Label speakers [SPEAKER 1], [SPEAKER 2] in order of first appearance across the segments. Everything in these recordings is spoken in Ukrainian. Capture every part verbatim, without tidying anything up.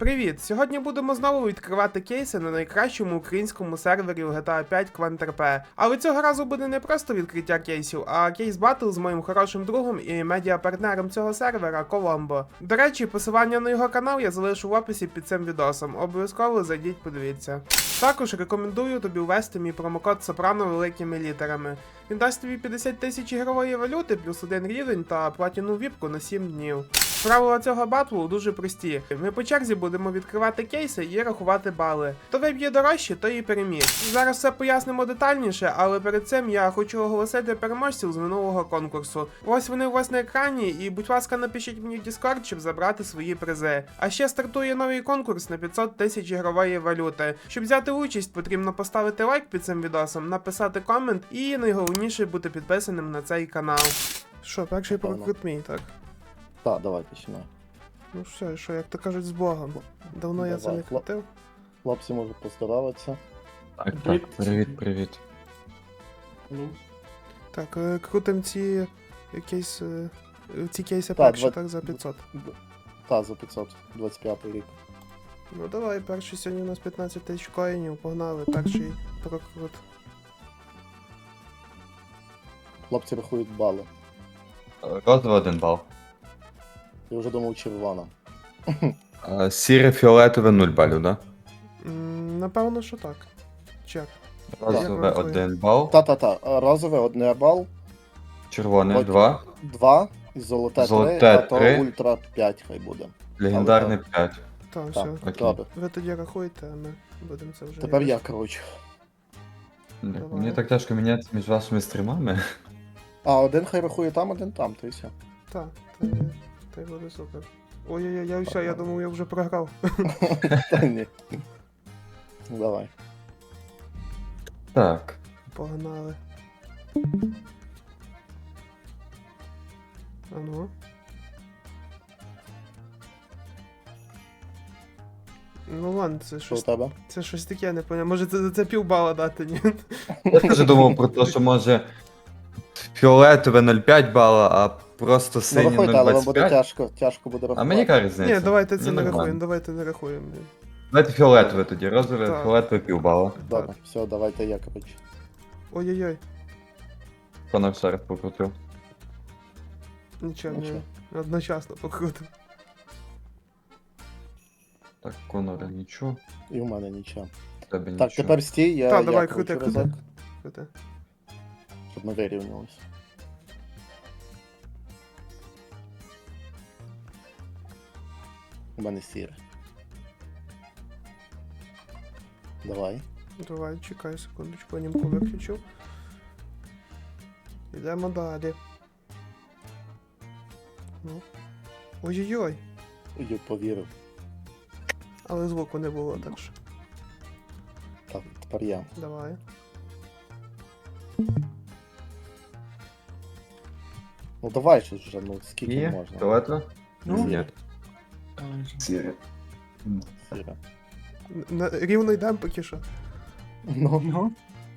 [SPEAKER 1] Привіт! Сьогодні будемо знову відкривати кейси на найкращому українському сервері в джі ті ей п'ять QuantRP. Але цього разу буде не просто відкриття кейсів, а кейс батл з моїм хорошим другом і медіапартнером цього сервера Коломбо. До речі, посилання на його канал я залишу в описі під цим відосом. Обов'язково зайдіть, подивіться. Також рекомендую тобі ввести мій промокод Сопрано великими літерами. Він дасть тобі п'ятдесят тисяч ігрової валюти плюс один рівень та платіну віпку на сім днів. Правила цього батлу дуже прості. Ми по черзі будемо відкривати кейси і рахувати бали. Хто виб'є дорожче, то і переміг. Зараз все пояснимо детальніше, але перед цим я хочу оголосити переможців з минулого конкурсу. Ось вони у вас на екрані, і будь ласка, напишіть мені в Discord, щоб забрати свої призи. А ще стартує новий конкурс на п'ятсот тисяч ігрової валюти. Щоб взяти участь, потрібно поставити лайк під цим відосом, написати комент і найголовніше бути підписаним на цей канал. Що, перший прокрут мій, так?
[SPEAKER 2] Так, давай починай.
[SPEAKER 1] Ну все, що, як то кажуть, з Богом. Давно я це
[SPEAKER 2] Давай,
[SPEAKER 1] не крутив.
[SPEAKER 2] Хлопці можуть поздороватися.
[SPEAKER 3] Так, так, привіт, привіт.
[SPEAKER 2] Ну,
[SPEAKER 1] Так, е, крутим ці кейс, е, ці кейси
[SPEAKER 2] Так,
[SPEAKER 1] перші,
[SPEAKER 2] два-
[SPEAKER 1] так, за п'ятсот.
[SPEAKER 2] та, за п'ятсот, двадцять п'ятий рік.
[SPEAKER 1] Ну давай, перший сьогодні у нас п'ятнадцять тисяч коїнів, погнали, перший прокрут.
[SPEAKER 2] Хлопці рахують бали.
[SPEAKER 3] Розовий один бал.
[SPEAKER 2] Я вже думав червона.
[SPEAKER 3] А, Сіре фіолетове нуль балів, да?
[SPEAKER 1] М, Напевно, що так. Чек.
[SPEAKER 3] Розове
[SPEAKER 1] Як
[SPEAKER 3] один бал,
[SPEAKER 2] Та-та-та, а розове одне бал,
[SPEAKER 3] червоне
[SPEAKER 2] Потім.
[SPEAKER 3] два,
[SPEAKER 2] два, і золоте три,
[SPEAKER 3] Золоте
[SPEAKER 2] а то
[SPEAKER 3] три.
[SPEAKER 2] ультра п'ять хай буде.
[SPEAKER 3] легендарне п'ять.
[SPEAKER 1] Так,
[SPEAKER 2] Так,
[SPEAKER 1] все.
[SPEAKER 3] Окей.
[SPEAKER 2] добре.
[SPEAKER 1] Ви тоді рахуйте, а ми будемо це вже.
[SPEAKER 2] Тепер я,
[SPEAKER 1] якось-
[SPEAKER 2] коротше.
[SPEAKER 1] Давай.
[SPEAKER 3] Мені так тяжко міняти між вашими стрімами.
[SPEAKER 2] А, один хай рахує там, один там, то і все.
[SPEAKER 1] Так, та, та й буде супер. Ой-ой-ой, я все, я думав, я вже програв.
[SPEAKER 2] Та ні. Давай.
[SPEAKER 3] Так.
[SPEAKER 1] Погнали. А ну. Ну ладно, це
[SPEAKER 2] Що у
[SPEAKER 1] щось,
[SPEAKER 2] тебе?
[SPEAKER 1] це щось таке, я не поняв. Може це за це півбала дати, ні?
[SPEAKER 3] Я теж думав про те, що може фіолетове нуль п'ять бала, а просто
[SPEAKER 2] Ну
[SPEAKER 3] синє
[SPEAKER 2] рахуйте, але вам буде
[SPEAKER 3] нуль двадцять п'ять.
[SPEAKER 2] тяжко, тяжко буде
[SPEAKER 3] А
[SPEAKER 2] рахувати.
[SPEAKER 3] мені яка різниця?
[SPEAKER 1] Ні, давайте це
[SPEAKER 3] Мені
[SPEAKER 1] не
[SPEAKER 3] нормально.
[SPEAKER 1] рахуємо, давайте не рахуємо.
[SPEAKER 3] Давайте фіолетове тоді, розове,
[SPEAKER 1] Так.
[SPEAKER 3] фіолетове півбала.
[SPEAKER 2] Добре, все, давайте я, коротше.
[SPEAKER 1] Ой-ой-ой,
[SPEAKER 3] Конор ще раз покрутив.
[SPEAKER 1] нічого,
[SPEAKER 2] Нічого.
[SPEAKER 1] не одночасно покрутив.
[SPEAKER 3] Так, Конора нічого,
[SPEAKER 2] І у мене нічого.
[SPEAKER 3] в тебе нічого.
[SPEAKER 2] Так, тепер стій, я,
[SPEAKER 1] Та,
[SPEAKER 2] я
[SPEAKER 1] давай,
[SPEAKER 2] кручу
[SPEAKER 1] крути,
[SPEAKER 2] разок,
[SPEAKER 1] крути. Крути.
[SPEAKER 2] щоб ми вирівнялись. У мене сіре. Давай.
[SPEAKER 1] Давай, чекай секундочку, німку виключив. Йдемо далі. Ну. Ой-ой-ой,
[SPEAKER 2] Я повірив.
[SPEAKER 1] але звуку не було, так що.
[SPEAKER 2] Так, тепер я.
[SPEAKER 1] Давай.
[SPEAKER 2] Ну давай щось вже, ну скільки
[SPEAKER 3] Є?
[SPEAKER 2] можна.
[SPEAKER 3] Фіолетове?
[SPEAKER 2] Ну,
[SPEAKER 3] Ні. Сіре.
[SPEAKER 2] Сіре.
[SPEAKER 1] Н- на- Рівно йдемо поки що.
[SPEAKER 2] Ну.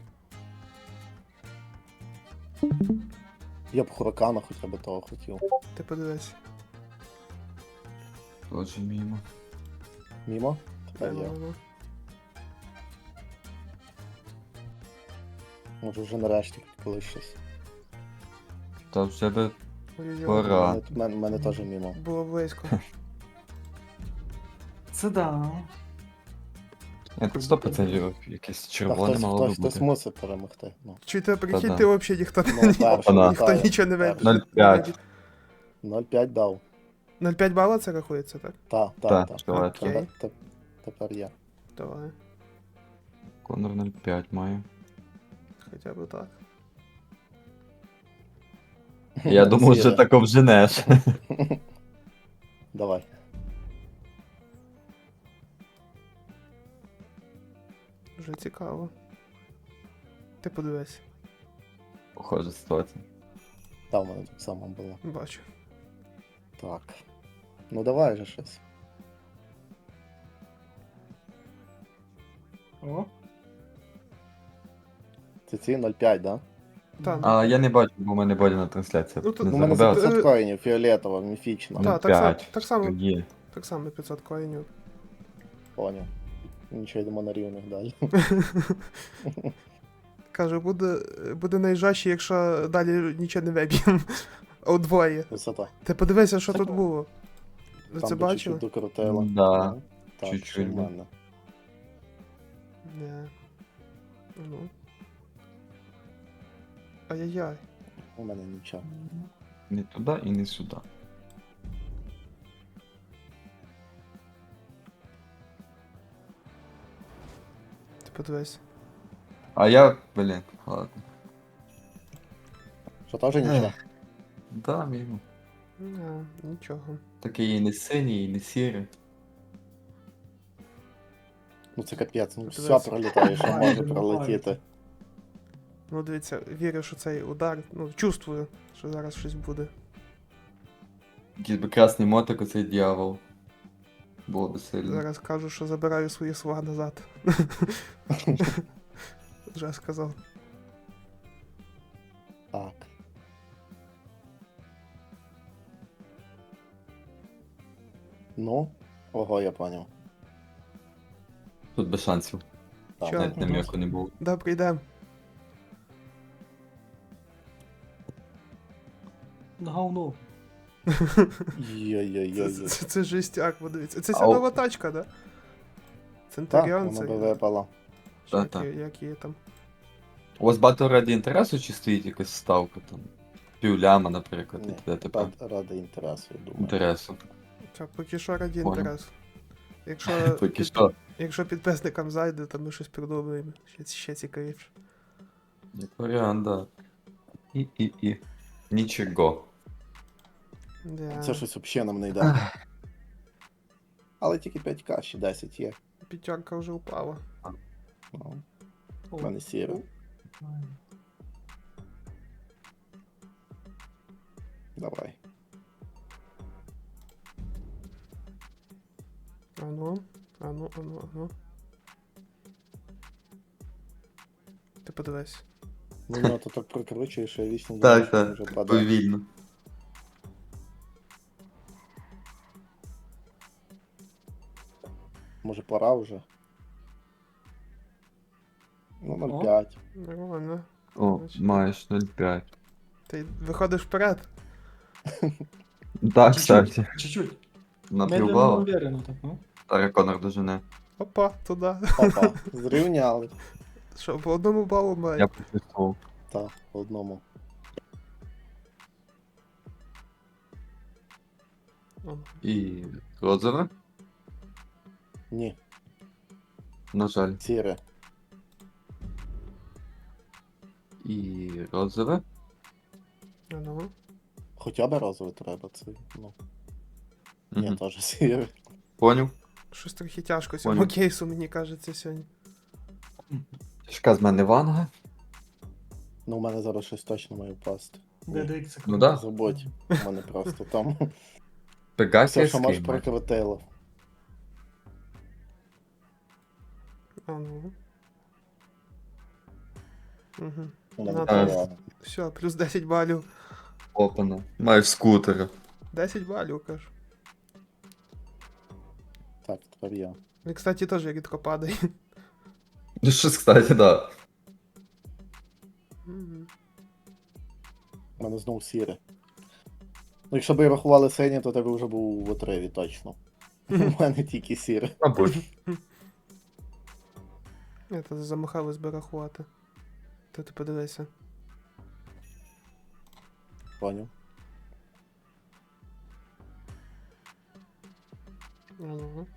[SPEAKER 2] Я б хуракана хоча б того хотів.
[SPEAKER 1] Ти подивись.
[SPEAKER 3] Тоже мимо.
[SPEAKER 2] Мімо? Тепер
[SPEAKER 1] Ну,
[SPEAKER 2] я.
[SPEAKER 1] ну, ну.
[SPEAKER 2] Може вже нарешті коли щось.
[SPEAKER 3] Та вже би
[SPEAKER 1] Ой-ой-ой.
[SPEAKER 3] Пора.
[SPEAKER 2] У мене, у мене, у мене теж мімо.
[SPEAKER 1] Було близько.
[SPEAKER 4] Це да.
[SPEAKER 3] Ні, тут сто процентів якесь
[SPEAKER 2] Та
[SPEAKER 3] червоне
[SPEAKER 2] хтось,
[SPEAKER 3] мало
[SPEAKER 2] хтось,
[SPEAKER 3] би
[SPEAKER 2] хтось
[SPEAKER 3] бути.
[SPEAKER 2] мусить перемогти. Ну.
[SPEAKER 1] Чуєте, прикинь,
[SPEAKER 3] Та-да.
[SPEAKER 1] ти взагалі ніхто
[SPEAKER 2] Ну,
[SPEAKER 1] не
[SPEAKER 2] перший,
[SPEAKER 3] Опана.
[SPEAKER 1] ніхто
[SPEAKER 2] вітаю.
[SPEAKER 1] нічого не вийде.
[SPEAKER 3] нуль п'ять.
[SPEAKER 2] нуль п'ять дав.
[SPEAKER 1] нуль п'ять бала це рахується, так?
[SPEAKER 2] Та, та,
[SPEAKER 3] Так,
[SPEAKER 2] та.
[SPEAKER 3] фіолетове.
[SPEAKER 1] Окей.
[SPEAKER 2] Тепер, тепер я.
[SPEAKER 1] Давай.
[SPEAKER 3] Конор нуль п'ять має.
[SPEAKER 1] Хоча б так.
[SPEAKER 3] Я думав, що
[SPEAKER 2] Сіре.
[SPEAKER 3] так обженеш.
[SPEAKER 2] Давай.
[SPEAKER 1] Вже цікаво. Ти подивись.
[SPEAKER 3] Похожа ситуація.
[SPEAKER 2] Та в мене так само було.
[SPEAKER 1] Бачу.
[SPEAKER 2] Так. Ну давай же щось.
[SPEAKER 4] О,
[SPEAKER 2] Це ці нуль п'ять, да?
[SPEAKER 1] Та,
[SPEAKER 3] А я не бачу, бо в мене бодіна трансляція.
[SPEAKER 1] Ну, тут-
[SPEAKER 3] Не
[SPEAKER 2] У мене
[SPEAKER 3] заробила.
[SPEAKER 2] за п'ятсот коїнів, фіолетово, міфічно.
[SPEAKER 3] Ну,
[SPEAKER 1] та, так, само,
[SPEAKER 3] п'ять.
[SPEAKER 1] так само,
[SPEAKER 3] Є.
[SPEAKER 1] так само п'ятсот коїнів.
[SPEAKER 2] Поняв. Нічого, йдемо на рівних далі.
[SPEAKER 1] Каже, буде, буде найжаще, якщо далі нічого не виб'ємо. Удвоє.
[SPEAKER 2] Висота.
[SPEAKER 1] Ти подивися, що тут було. Ви
[SPEAKER 2] Там
[SPEAKER 1] це
[SPEAKER 2] би
[SPEAKER 1] бачили?
[SPEAKER 2] чуть-чуть докрутило.
[SPEAKER 3] Да.
[SPEAKER 2] Ну, Так,
[SPEAKER 3] Чуть-чуть,
[SPEAKER 2] що в
[SPEAKER 3] да.
[SPEAKER 2] мене.
[SPEAKER 1] Не. Ну. Ай-яй-яй.
[SPEAKER 2] У мене нічого.
[SPEAKER 3] Не туди і не сюди.
[SPEAKER 1] Ти подивись.
[SPEAKER 3] А я, блін, ладно.
[SPEAKER 2] Що теж нічого?
[SPEAKER 3] Да, мимо.
[SPEAKER 1] Не, нічого.
[SPEAKER 3] Такий і не синій, і не сірий.
[SPEAKER 2] Ну це капець, ну
[SPEAKER 1] Подивись.
[SPEAKER 2] все пролітає, що може пролетіти.
[SPEAKER 1] Ну дивіться, вірю, що цей удар, ну, чувствую, що зараз щось буде.
[SPEAKER 3] Якийсь би красний мотик, оцей дьявол. Було би сильно.
[SPEAKER 1] Зараз кажу, що забираю свої слова назад. Вже сказав.
[SPEAKER 2] Так. Ну, ого, я поняв.
[SPEAKER 3] Тут без шансів.
[SPEAKER 2] Так.
[SPEAKER 1] Чо?
[SPEAKER 3] Навіть нам'яку не було.
[SPEAKER 1] Да, прийдем.
[SPEAKER 4] Говно.
[SPEAKER 1] Це,
[SPEAKER 2] Йой-йой-йой.
[SPEAKER 1] це, це, це жестяк, подивіться. Це ця
[SPEAKER 3] Ау.
[SPEAKER 1] нова тачка, да?
[SPEAKER 2] Так,
[SPEAKER 1] Центуріон
[SPEAKER 2] воно
[SPEAKER 1] це.
[SPEAKER 2] би випало.
[SPEAKER 1] Чи
[SPEAKER 3] Та-та.
[SPEAKER 1] які, які є там.
[SPEAKER 3] У вас багато раді інтересу чи стоїть якась ставка там? Півляма, наприклад, і
[SPEAKER 2] Ні,
[SPEAKER 3] т.д. т.п.
[SPEAKER 2] Ради- Ради інтересу, я думаю.
[SPEAKER 3] Інтересу.
[SPEAKER 1] Так, поки що раді
[SPEAKER 3] Понял.
[SPEAKER 1] інтерес. Якщо,
[SPEAKER 3] Поки
[SPEAKER 1] під-
[SPEAKER 3] що.
[SPEAKER 1] якщо підписникам зайде, то ми щось придумаємо. Ще, ще цікавіше.
[SPEAKER 3] Як варіант, да. І, і, і. Нічого.
[SPEAKER 1] Да.
[SPEAKER 2] Це щось взагалі нам не йде. Але тільки п'ять ка, ще десять є.
[SPEAKER 1] П'ятерка вже упала.
[SPEAKER 2] Ну,
[SPEAKER 4] О,
[SPEAKER 2] в мене сіре. Давай.
[SPEAKER 1] Ану, ану, ану, ану. Ти подивись.
[SPEAKER 2] Ну, ну, то так прокручуєш, що я вічно
[SPEAKER 3] Так,
[SPEAKER 2] думаю, що
[SPEAKER 3] так.
[SPEAKER 2] вже падає.
[SPEAKER 3] Повільно.
[SPEAKER 2] Може пора вже? Ну,
[SPEAKER 4] О.
[SPEAKER 2] ноль п'ять.
[SPEAKER 1] Нормально.
[SPEAKER 3] О,
[SPEAKER 1] Значить.
[SPEAKER 3] маєш нуль п'ять.
[SPEAKER 1] Ти виходиш вперед.
[SPEAKER 3] Так,
[SPEAKER 4] Чуть-чуть,
[SPEAKER 3] кстати.
[SPEAKER 4] чуть-чуть. Медленно, но
[SPEAKER 3] Наплювало.
[SPEAKER 4] уверенно так, ну.
[SPEAKER 3] Старий Конор дожене.
[SPEAKER 1] Опа, туди.
[SPEAKER 2] Опа, зрівняли.
[SPEAKER 1] Що, по одному балу має.
[SPEAKER 3] Я почувствував.
[SPEAKER 2] Так, по одному.
[SPEAKER 1] Ану.
[SPEAKER 3] І розове?
[SPEAKER 2] Ні,
[SPEAKER 3] На жаль.
[SPEAKER 2] сіре.
[SPEAKER 3] І розове?
[SPEAKER 1] Ану.
[SPEAKER 2] Хоча б разове треба, це, ну. Ні,
[SPEAKER 3] Угу.
[SPEAKER 2] теж сіре.
[SPEAKER 3] Поняв.
[SPEAKER 1] Щось трохи тяжко цьому
[SPEAKER 3] Понял.
[SPEAKER 1] кейсу, мені кажеться, сьогодні.
[SPEAKER 3] Тяжка з мене ванга.
[SPEAKER 2] Ну, у мене зараз щось точно має впасти.
[SPEAKER 4] ДДХ це
[SPEAKER 3] Ну да.
[SPEAKER 2] Забудь, у мене просто там все,
[SPEAKER 3] Пегасія
[SPEAKER 2] що може
[SPEAKER 3] скейм.
[SPEAKER 2] прокрутило.
[SPEAKER 1] Ану. Угу.
[SPEAKER 2] У мене
[SPEAKER 1] Ну,
[SPEAKER 2] перевага.
[SPEAKER 1] Все, плюс десять балів.
[SPEAKER 3] Опана. Маєш скутера.
[SPEAKER 1] десять балів, кажу.
[SPEAKER 2] Так, тепер я.
[SPEAKER 1] І, кстати, теж рідко падає.
[SPEAKER 3] Ну щось, кстати, да.
[SPEAKER 1] Мгм.
[SPEAKER 2] У мене знову сіре. Ну, якщо б і рахували синє, то тебе вже був в отриві, точно. У мене тільки сіре.
[SPEAKER 3] Мабуть.
[SPEAKER 1] Я то замахалось би рахувати. То ти подивися.
[SPEAKER 2] Поняв.
[SPEAKER 1] Ану.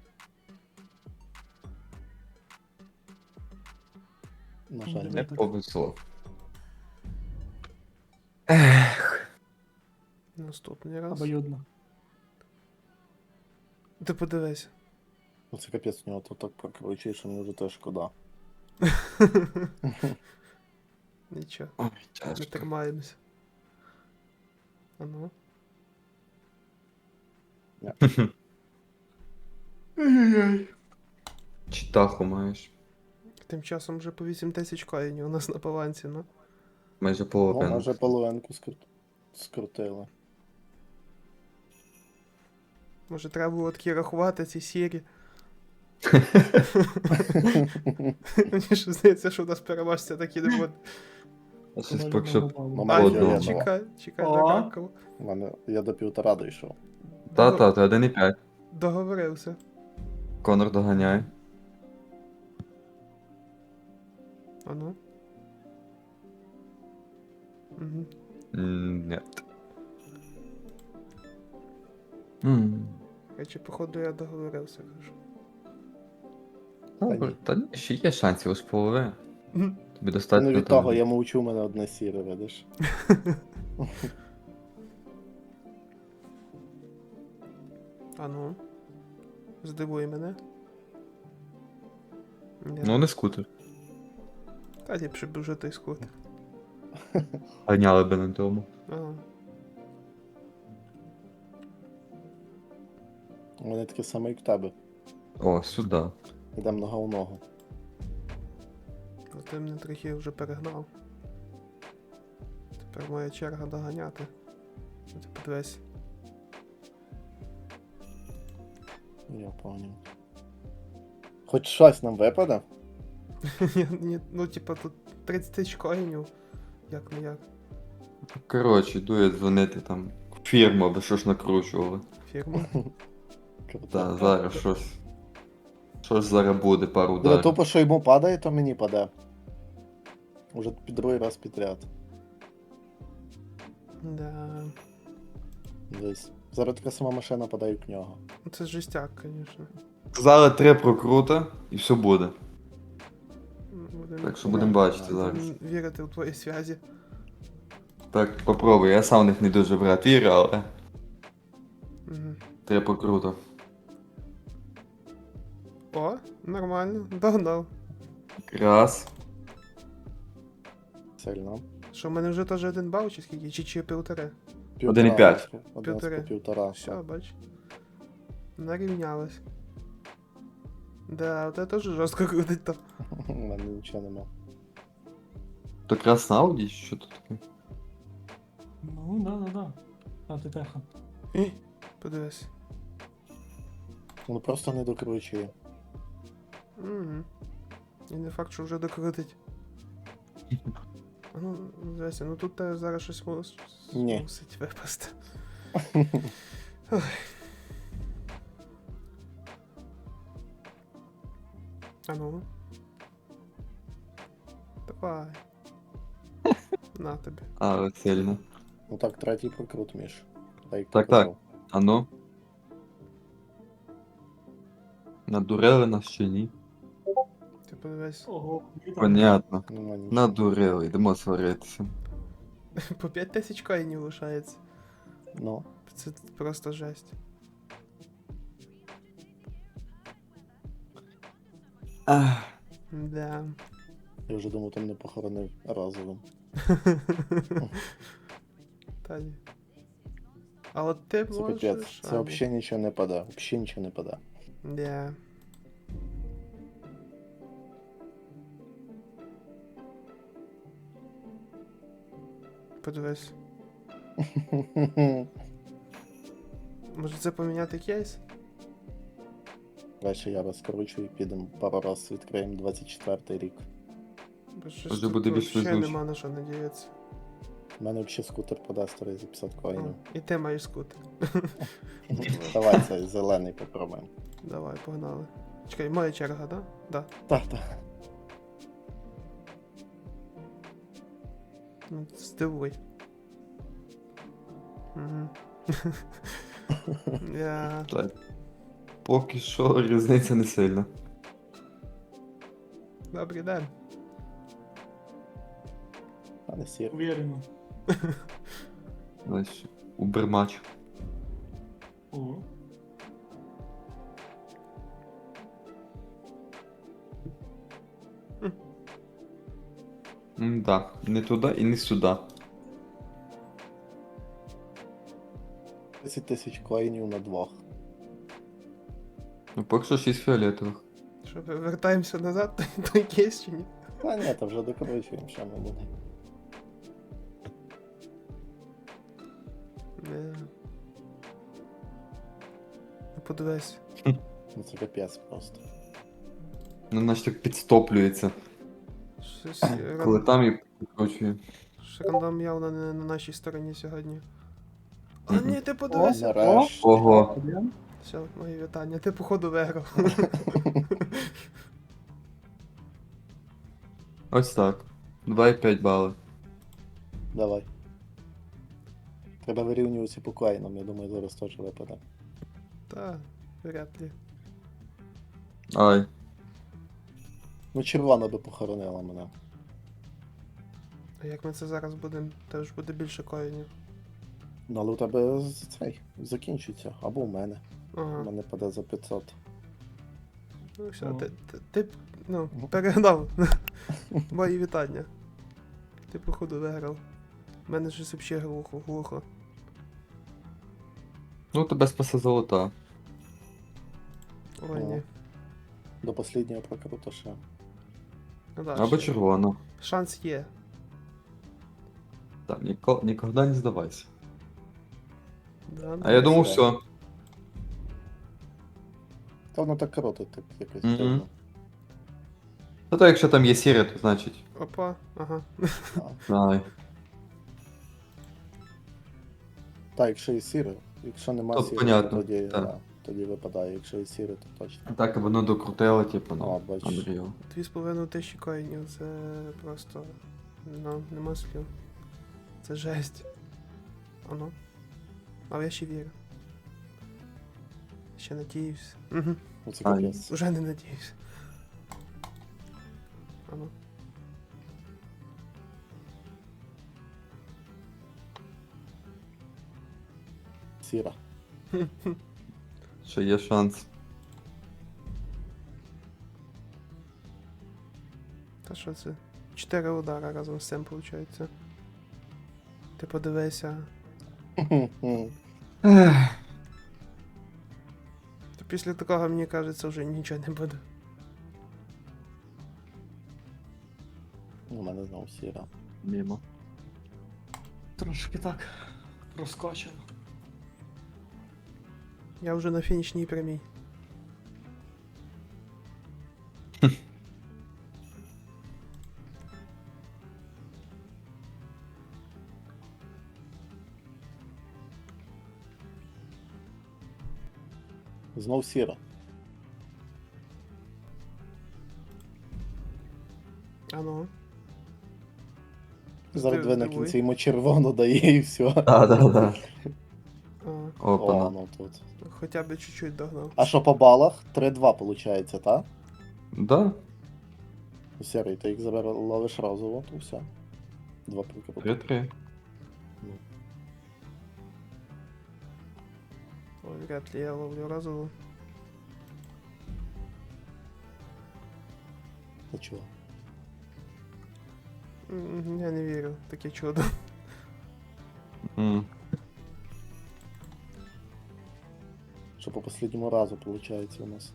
[SPEAKER 2] На жаль.
[SPEAKER 3] Не повезло. Ех.
[SPEAKER 1] Наступний раз.
[SPEAKER 4] обоюдно.
[SPEAKER 1] Ти подивись.
[SPEAKER 2] Ну це капець у нього то так прокручує, що мені вже теж шкода.
[SPEAKER 1] Нічого,
[SPEAKER 3] Ой,
[SPEAKER 1] не
[SPEAKER 3] тяжко.
[SPEAKER 1] тримаємося. Ану.
[SPEAKER 3] Читаху маєш.
[SPEAKER 1] Тим часом вже по вісім тисяч коїнів у нас на балансі, ну.
[SPEAKER 3] Майже
[SPEAKER 2] Ну,
[SPEAKER 3] половину.
[SPEAKER 2] може половинку скрут... скрутили.
[SPEAKER 1] Може треба було такі рахувати ці сірі. Мені ж здається, що у нас переможця такі не буде.
[SPEAKER 3] А щось
[SPEAKER 4] Команду
[SPEAKER 3] поки що.
[SPEAKER 4] нагнав.
[SPEAKER 2] Ну,
[SPEAKER 1] А,
[SPEAKER 2] мене
[SPEAKER 1] ні,
[SPEAKER 2] фіолетово.
[SPEAKER 1] чекай, чекай,
[SPEAKER 4] О.
[SPEAKER 1] докакав.
[SPEAKER 2] У мене я до півтора дійшов.
[SPEAKER 3] Та-та, то один і п'ять.
[SPEAKER 1] Договорився.
[SPEAKER 3] Конор доганяє.
[SPEAKER 1] А ну. Угу.
[SPEAKER 3] М, Ні. М,
[SPEAKER 1] Речі, походу, я договорився, кажу.
[SPEAKER 3] Добре, та ні, ще є шансів ось половини.
[SPEAKER 1] Мгм.
[SPEAKER 3] Тобі
[SPEAKER 2] Ну
[SPEAKER 3] достатньо
[SPEAKER 2] від
[SPEAKER 3] там.
[SPEAKER 2] того, я мовчу, у мене одне сіре, видиш.
[SPEAKER 1] А ну. Здивуй мене. Ні.
[SPEAKER 3] Ну, не скутер.
[SPEAKER 1] Та ліпше б вже той скутер.
[SPEAKER 3] Ганяли би на тому.
[SPEAKER 1] Ага.
[SPEAKER 2] У мене таке саме, як в тебе.
[SPEAKER 3] О, сюди.
[SPEAKER 2] Йдемо нога в ногу.
[SPEAKER 1] Ну, ти мене трохи вже перегнав. Тепер моя черга доганяти. Ну, ти подивись.
[SPEAKER 2] Я поняв. Хоч щось нам випаде?
[SPEAKER 1] Ні, ні, ну, типа, тут тридцять тисяч коїнів. Як не як.
[SPEAKER 3] Коротше, йду я дзвонити там в фірму, аби що ж накручували.
[SPEAKER 1] Фірма.
[SPEAKER 2] Круто.
[SPEAKER 3] Та, зараз щось. Щось зараз буде, пару
[SPEAKER 2] Диви,
[SPEAKER 3] ударів.
[SPEAKER 2] тупо, що йому падає, то мені паде. Уже під другий раз підряд.
[SPEAKER 1] Да.
[SPEAKER 2] Десь. Зараз така сама машина падає як в нього.
[SPEAKER 1] Ну, це жестяк, звісно.
[SPEAKER 3] Сказали три прокрута і все буде.
[SPEAKER 1] Будем,
[SPEAKER 3] Так що будемо бачити зараз.
[SPEAKER 1] будем вірити у твої зв'язі.
[SPEAKER 3] Так, попробуй. Я сам в них не дуже брат вірю, але
[SPEAKER 1] Угу.
[SPEAKER 3] три прокрута.
[SPEAKER 1] О, нормально, догнав.
[SPEAKER 3] Раз.
[SPEAKER 2] Сильно.
[SPEAKER 1] Що, в мене вже теж один бал, чи скільки? Чи, чи півтори?
[SPEAKER 3] Один і п'ять.
[SPEAKER 2] Один
[SPEAKER 1] Півтори.
[SPEAKER 2] з по півтора.
[SPEAKER 1] Все,
[SPEAKER 2] так.
[SPEAKER 1] бач. Нарівнялось. Да, от теж жорстко крутить то.
[SPEAKER 2] У мене нічого нема.
[SPEAKER 3] То якраз на Ауді, що тут таке?
[SPEAKER 4] Ну, да, да, да. А ти теха.
[SPEAKER 1] І, подивись.
[SPEAKER 2] Ну просто не докручує.
[SPEAKER 1] Угу. І не факт, що вже докрутить. А ну, дивися, ну тут те зараз щось мус...
[SPEAKER 2] Ні.
[SPEAKER 1] мусить випасти. А ну. Давай. На тобі.
[SPEAKER 3] Але сильно.
[SPEAKER 2] Ну так, третій прокрут, Міш. Так, як
[SPEAKER 3] Так,
[SPEAKER 2] ти казав.
[SPEAKER 3] А ну. Надурили нас чи ні?
[SPEAKER 1] Ти подивись.
[SPEAKER 4] Ого, вітаю.
[SPEAKER 3] Понятно.
[SPEAKER 2] Нема нічого.
[SPEAKER 3] Надурили, йдемо сваритися.
[SPEAKER 1] По п'ять тисяч коїнів лишається.
[SPEAKER 2] Ну,
[SPEAKER 1] Це просто жесть.
[SPEAKER 3] Ах.
[SPEAKER 1] Да.
[SPEAKER 2] я вже думав, там не похоронив разовим.
[SPEAKER 1] Та ні. А от ти
[SPEAKER 2] Це
[SPEAKER 1] можеш...
[SPEAKER 2] капець. Це
[SPEAKER 1] а, ні.
[SPEAKER 2] взагалі нічого не паде. Взагалі нічого не паде.
[SPEAKER 1] Да. Подивись. Може це поміняти кейс?
[SPEAKER 2] Краще я розкручу і підемо пару раз відкриємо двадцять четвертий рік.
[SPEAKER 1] Бо щось
[SPEAKER 3] Може
[SPEAKER 1] тут
[SPEAKER 3] буде більш
[SPEAKER 1] вообще
[SPEAKER 3] везуче.
[SPEAKER 1] нема на що надіятися.
[SPEAKER 2] У мене взагалі скутер паде старий за п'ятдесят
[SPEAKER 1] О,
[SPEAKER 2] коїнів.
[SPEAKER 1] і ти маєш скутер.
[SPEAKER 2] Давай цей зелений попробуємо.
[SPEAKER 1] Давай, погнали. Чекай, моя черга, да? Да.
[SPEAKER 2] Так, так.
[SPEAKER 1] Ну, здивуй. Угу. Я...
[SPEAKER 3] Так. Поки що різниця не сильна.
[SPEAKER 1] Добрий день.
[SPEAKER 2] А не сір.
[SPEAKER 4] Уверенно.
[SPEAKER 3] Знаєш, убермач.
[SPEAKER 4] О.
[SPEAKER 3] М-да, не туди і не сюди.
[SPEAKER 2] десять тисяч коїнів на двох.
[SPEAKER 3] Ну, поки що шість фіолетових.
[SPEAKER 1] Що, вертаємося назад, той, той кейс чи ні?
[SPEAKER 2] А ні, то вже докручуємо, що ми буде.
[SPEAKER 1] Не. Ну подивись.
[SPEAKER 2] Ну це капець просто.
[SPEAKER 3] Ну, наче так підстоплюється.
[SPEAKER 1] Щось е,
[SPEAKER 3] Коли
[SPEAKER 1] ран-
[SPEAKER 3] там і підкручує.
[SPEAKER 1] щось рандом явно не на нашій стороні сьогодні. А
[SPEAKER 3] Мгм.
[SPEAKER 1] ні, ти
[SPEAKER 2] О,
[SPEAKER 1] подивися.
[SPEAKER 2] нарешті.
[SPEAKER 3] Ого.
[SPEAKER 4] Один.
[SPEAKER 1] Все, мої вітання, ти походу виграв.
[SPEAKER 3] Ось так. два і п'ять бали.
[SPEAKER 2] Давай. Треба вирівнюватися по коїнам, я думаю, зараз теж випаде.
[SPEAKER 1] Та, вряд ли.
[SPEAKER 3] Ай.
[SPEAKER 2] Ну, червона би похоронила мене.
[SPEAKER 1] А як ми це зараз будемо, теж буде більше коїнів.
[SPEAKER 2] Ну, але у тебе з- цей закінчиться. Або у мене. У
[SPEAKER 1] Ага.
[SPEAKER 2] мене паде за п'ятсот.
[SPEAKER 1] Ну все,
[SPEAKER 4] О.
[SPEAKER 1] ти, ти, ти ну, перегнав. Мої вітання. Ти походу виграв. У мене щось взагалі глухо, глухо.
[SPEAKER 3] Ну, тебе спасе золота.
[SPEAKER 1] Ой, ні.
[SPEAKER 2] До останнього прокруту ще.
[SPEAKER 1] Ну, да,
[SPEAKER 3] Або
[SPEAKER 1] ще.
[SPEAKER 3] червона.
[SPEAKER 1] Шанс є.
[SPEAKER 3] Так, ніко... ніколи не здавайся.
[SPEAKER 1] Да,
[SPEAKER 3] А я думав,
[SPEAKER 2] все.
[SPEAKER 3] все.
[SPEAKER 2] Та воно так крутить, так якось
[SPEAKER 3] Мгм.
[SPEAKER 2] дивно.
[SPEAKER 3] Та то якщо там є сіре, то значить.
[SPEAKER 1] Опа, ага.
[SPEAKER 3] Ай.
[SPEAKER 2] Так, якщо і сіре, якщо нема
[SPEAKER 3] Тут
[SPEAKER 2] сіре,
[SPEAKER 3] понятно,
[SPEAKER 2] то тоді,
[SPEAKER 3] так.
[SPEAKER 2] да, тоді випадає, якщо і сіре, то точно.
[SPEAKER 3] Так воно докрутило, типу,
[SPEAKER 2] А,
[SPEAKER 3] ну,
[SPEAKER 2] бачиш.
[SPEAKER 3] Unreal.
[SPEAKER 1] Дві з половиною тисячі коїнів, це просто. Ну, нема слів. Це жесть. Ано. Але я ще вірю. Ще надіюсь. Угу.
[SPEAKER 2] Ну це
[SPEAKER 3] А,
[SPEAKER 2] капець.
[SPEAKER 1] Уже не надіюсь. Ано.
[SPEAKER 2] Сіра.
[SPEAKER 3] Ще є шанс.
[SPEAKER 1] Та що це? Чотири удара разом з цим виходить. Ти подивися.
[SPEAKER 3] Ех.
[SPEAKER 1] То після такого, мені кажеться, вже нічого не буде.
[SPEAKER 2] У мене знову сіра.
[SPEAKER 3] Мімо.
[SPEAKER 4] Трошки так розкочено.
[SPEAKER 1] Я вже на фінішній прямій.
[SPEAKER 2] Знов сіра.
[SPEAKER 1] Ано.
[SPEAKER 2] Зараз
[SPEAKER 1] Ти
[SPEAKER 2] дві на
[SPEAKER 1] здивуй.
[SPEAKER 2] кінці йому червоно дає і все.
[SPEAKER 3] Да, да, да.
[SPEAKER 1] А,
[SPEAKER 2] О,
[SPEAKER 3] Опана.
[SPEAKER 2] ну тут.
[SPEAKER 1] хоча б чуть-чуть догнав.
[SPEAKER 2] А що по балах? три-два виходить, так?
[SPEAKER 3] Да?
[SPEAKER 2] Сірий, ти їх забер... ловиш разово, то все. Два прокрути.
[SPEAKER 3] Три-три.
[SPEAKER 1] Ой, вряд ли я ловлю разово.
[SPEAKER 2] Та чого?
[SPEAKER 1] М, Я не вірю в таке чудо.
[SPEAKER 3] М.
[SPEAKER 2] Що по останньому разу виходить у нас.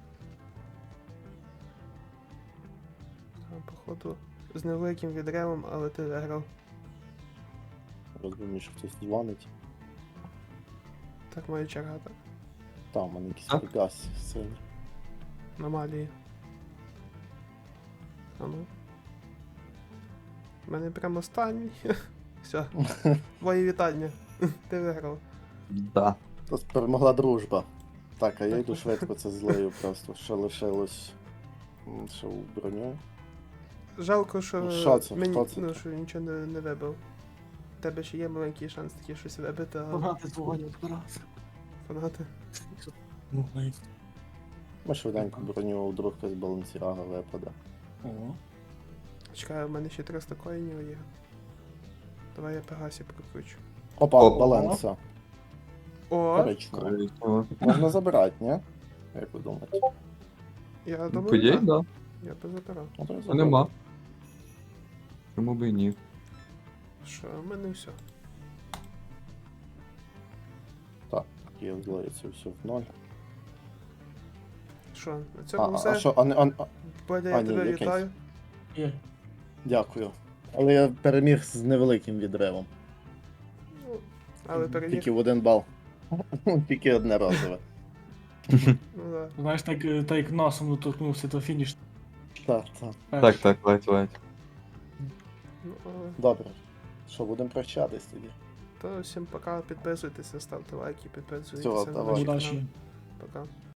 [SPEAKER 1] А, походу, з невеликим відривом, але ти виграв.
[SPEAKER 2] Розумію, що хтось дзвонить.
[SPEAKER 1] Так моя черга, так.
[SPEAKER 2] Там, у мене якийсь
[SPEAKER 3] А?
[SPEAKER 2] приказ сильний.
[SPEAKER 1] Аномалії. А ну. У мене прямо останній. Все. Твої вітання. Ти виграв.
[SPEAKER 3] Да.
[SPEAKER 2] Тут перемогла дружба. Так, а я
[SPEAKER 1] Так.
[SPEAKER 2] йду швидко це злею просто. Ще лишилось. м, Ще у броню.
[SPEAKER 1] Жалко, що,
[SPEAKER 2] Ну, що це?
[SPEAKER 1] мені,
[SPEAKER 2] Хто це?
[SPEAKER 1] ну, що нічого не, не вибив. У тебе ще є маленький шанс таки щось вибити, а
[SPEAKER 4] Фанати дзвонять раз.
[SPEAKER 1] фанати.
[SPEAKER 4] Ну, навіть.
[SPEAKER 2] Ми швиденько броню, вдруг якась балансірага випаде.
[SPEAKER 4] О.
[SPEAKER 1] Чекай, у мене ще триста коїнів є. Давай я Пегасі прокручу.
[SPEAKER 2] Опа,
[SPEAKER 3] Опа.
[SPEAKER 2] баланса.
[SPEAKER 1] О!
[SPEAKER 2] Коричнево.
[SPEAKER 3] Коричнево.
[SPEAKER 2] Можна забирати, ні? Як ви думаєте?
[SPEAKER 1] Я думаю,
[SPEAKER 3] Подій,
[SPEAKER 1] так.
[SPEAKER 3] да.
[SPEAKER 1] Я би забирав.
[SPEAKER 2] Ну, то я
[SPEAKER 3] А
[SPEAKER 2] заберу.
[SPEAKER 3] нема. Чому би і ні?
[SPEAKER 1] Що, у мене все.
[SPEAKER 2] Так, є злоїться все в ноль.
[SPEAKER 1] Що, на
[SPEAKER 2] А,
[SPEAKER 1] цьому
[SPEAKER 2] а,
[SPEAKER 1] все.
[SPEAKER 2] а що, а, не- а, а,
[SPEAKER 1] Бодя,
[SPEAKER 2] а,
[SPEAKER 1] я
[SPEAKER 2] ні,
[SPEAKER 1] тебе
[SPEAKER 2] якийсь.
[SPEAKER 1] вітаю.
[SPEAKER 4] Є.
[SPEAKER 2] дякую. Але я переміг з невеликим відривом.
[SPEAKER 1] Ну, але переміг.
[SPEAKER 2] Тільки в один бал. Тільки одне разове.
[SPEAKER 1] Ну, да.
[SPEAKER 4] Знаєш, так, е, так як носом доторкнувся до фініш
[SPEAKER 2] Так, так.
[SPEAKER 3] Так, так, ледь, ледь.
[SPEAKER 1] Ну, о,
[SPEAKER 2] Добре. Що, будемо прощатись тоді?
[SPEAKER 1] то всім пока, підписуйтеся, ставте лайки, підписуйтеся
[SPEAKER 2] Всього,
[SPEAKER 1] на
[SPEAKER 2] давай.
[SPEAKER 1] наш канал.
[SPEAKER 4] Удачі.
[SPEAKER 1] Пока.